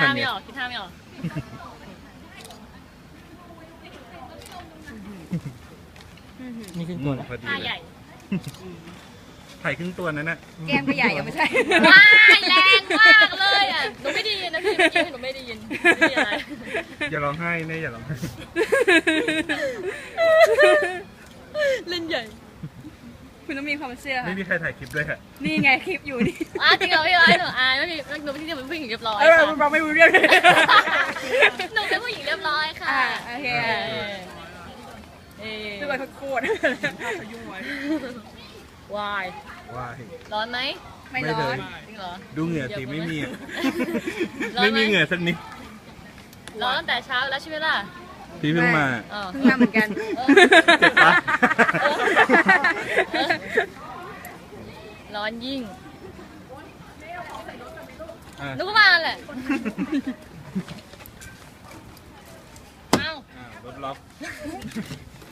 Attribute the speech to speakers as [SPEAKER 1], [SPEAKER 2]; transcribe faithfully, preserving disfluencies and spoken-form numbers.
[SPEAKER 1] ท่า
[SPEAKER 2] อัน
[SPEAKER 1] ไม่
[SPEAKER 2] เนี้ย
[SPEAKER 1] ออกคิดท่าไม่ออก
[SPEAKER 3] นี่ขึ้นตัวแล้ว
[SPEAKER 2] พอดี
[SPEAKER 1] ท่า
[SPEAKER 2] เล
[SPEAKER 1] ใหญ่
[SPEAKER 2] ยถ่ายครึ่งตัวนั้นน่ะ
[SPEAKER 4] แก้มก็ใหญ่ยังไม่ใช่
[SPEAKER 1] ว้ายแรงมากเลยอ่ะหนูไม่ได้ยินนะพี่เมื่อกี้หนูไม่ได้ยินไม่ได้ยินอะไร
[SPEAKER 2] อย่าร้องไห้เน่อย่าร้องไห้
[SPEAKER 1] เล่นใหญ่
[SPEAKER 4] คุณต้องมีความเชื่อ
[SPEAKER 2] ไม่
[SPEAKER 4] ค่ะ
[SPEAKER 2] มีใครถ่ายคลิปด้วยค่ะ
[SPEAKER 4] นี่ไงคลิปอยู่นี่
[SPEAKER 1] อ่ะจริงเหรอพี่ร้อยหนูอายไม่มีหนูไม่ใช่เป็นผู้หญิงเรียบร้อย
[SPEAKER 4] เออ
[SPEAKER 1] ค่ะ
[SPEAKER 4] เราไม่รู้เรื่องเลย
[SPEAKER 1] หนูเป็นผู้หญิงเรียบร้อยค่ะ
[SPEAKER 4] อ่าโอเค
[SPEAKER 1] เออเออ
[SPEAKER 4] คือแบบโคตรยุ่งไว้
[SPEAKER 1] วาย
[SPEAKER 2] ว้าย
[SPEAKER 1] ร้อนไหม
[SPEAKER 4] ไม่ร้อน
[SPEAKER 1] จริงเหรอ
[SPEAKER 2] ดูเหงื่อสิไม่มีอะ
[SPEAKER 1] ร้อน
[SPEAKER 2] ไม่
[SPEAKER 1] ไหม
[SPEAKER 2] มีเหงื่อสักนิด
[SPEAKER 1] ร้อนตั้งแต่เช้าแล้วใช่ไหมล่ะ
[SPEAKER 2] พี่เพิ่งมา
[SPEAKER 1] เออ
[SPEAKER 4] เพิ่งมาเหมือนกัน
[SPEAKER 1] เออ
[SPEAKER 2] เจ็บปะ
[SPEAKER 1] เออร้อนยิ่ง
[SPEAKER 2] อ่ะ
[SPEAKER 1] นึกว่าแหละเอ้า
[SPEAKER 2] อ่ะรถล็อก